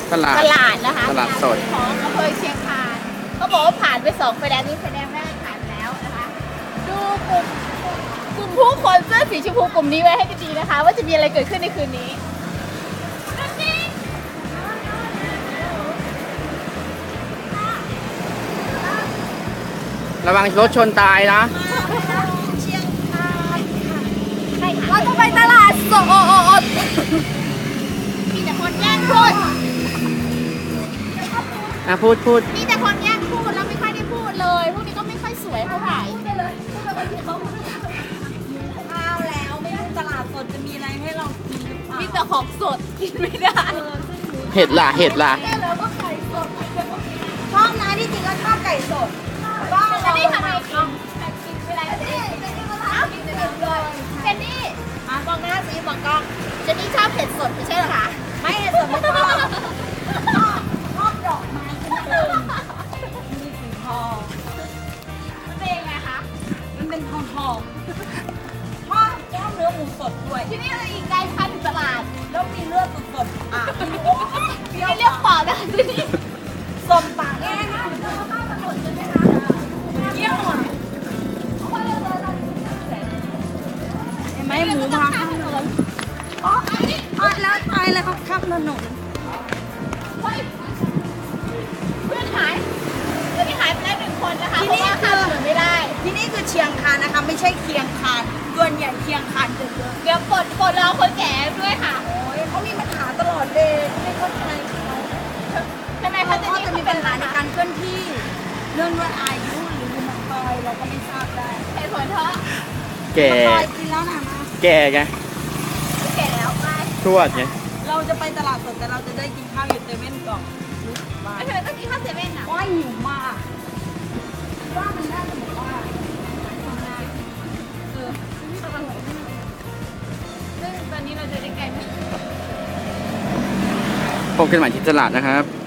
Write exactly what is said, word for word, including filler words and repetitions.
ตลาดตลาดนะคะตลาดสดของอำเภอเชียงคานเขาบอกว่าผ่านไปสองไฟแดงนี้ไฟแดงแรกผ่านแล้วนะคะ ดูกลุ่มกลุ่มผู้คนเสื้อสีชมพูกลุ่มนี้ไว้ให้ดีนะคะ ว่าจะมีอะไรเกิดขึ้นในคืนนี้ระวังรถชนตายนะเชียงคานเราจะไปตลาดสดมีแต่คนแย่งพูดอ่ะพูดพูดมีแต่คนแย่งพูดแล้วไม่ค่อยได้พูดเลย พวกนี้ก็ไม่ค่อยสวยเท่าไหร่เลยข้าวแล้วไม่รู้ตลาดสดจะมีอะไรให้เรากินหรือเปล่ามีแต่ของสดกินไม่ได้เห็ดล่ะเห็ดล่ะแล้วก็ไข่สดชอบนะที่จริงก็ชอบไก่สดก็เจนนี่ทำไมกินกินเวลาเจนนี่เจนนี่มาถามกินเลยเจนนี่มองหน้าสิมองกล้องเจนนี่ชอบเผ็ดสดไม่ใช่เหรอคะไม่เห็นสดไม่ชอบชอบชอบดอกไม้จริงๆมีสีทองมันเป็นยังไงคะมันเป็นทองทองชอบชอบเนื้อหมูสดด้วยที่นี่เราอีกไกลพันตลาดแล้วมีเลือดสดๆอ่ะที่นี่เรียกปอดนะที่นี่สมปากแน่นะเยี่ยมอ่ะเห็นไหมหมูมาข้างถนนอ๋ออ๋อแล้วตายแล้วครับข้ามถนนเฮ้ยเพื่อนหายเพื่อนที่หายไปแล้วหนึ่งคนนะคะที่เพราะนี่ว่าคืข้ามอถนนไม่ได้ที่นี่คือเชียงคานนะคะไม่ใช่เคียงคานส่วนใหญ่เคียงคานจะเยอะเดี๋ยวปลดปลดรอคนแก่ด้วยค่ะโอ้ยเขามีปัญหาตลอดเลยไม่เข้าใจเขาทำไมเขาเขาจะก็นี่จะเขามีเป็ปันญหาในการเคลื่อนที่เรื่องด้วยอายุหรือมันตอยเราก็ไม่ทราบได้เหตุผลเพราะแก่ตอยกินแล้วนะมาแก่ไงแก่แล้วไปทวดไงเราจะไปตลาดสดแต่เราจะได้กินข้าวอยู่เซเว่นก่อนบ้านไม่เคยต้องกินข้าวเซเว่นอ่ะว่าหิวมากว่ามันน่าจะบอกว่าเออซึ่งตอนนี้เราจะได้ไกลไหมพบกันใหม่ที่ตลาดนะครับ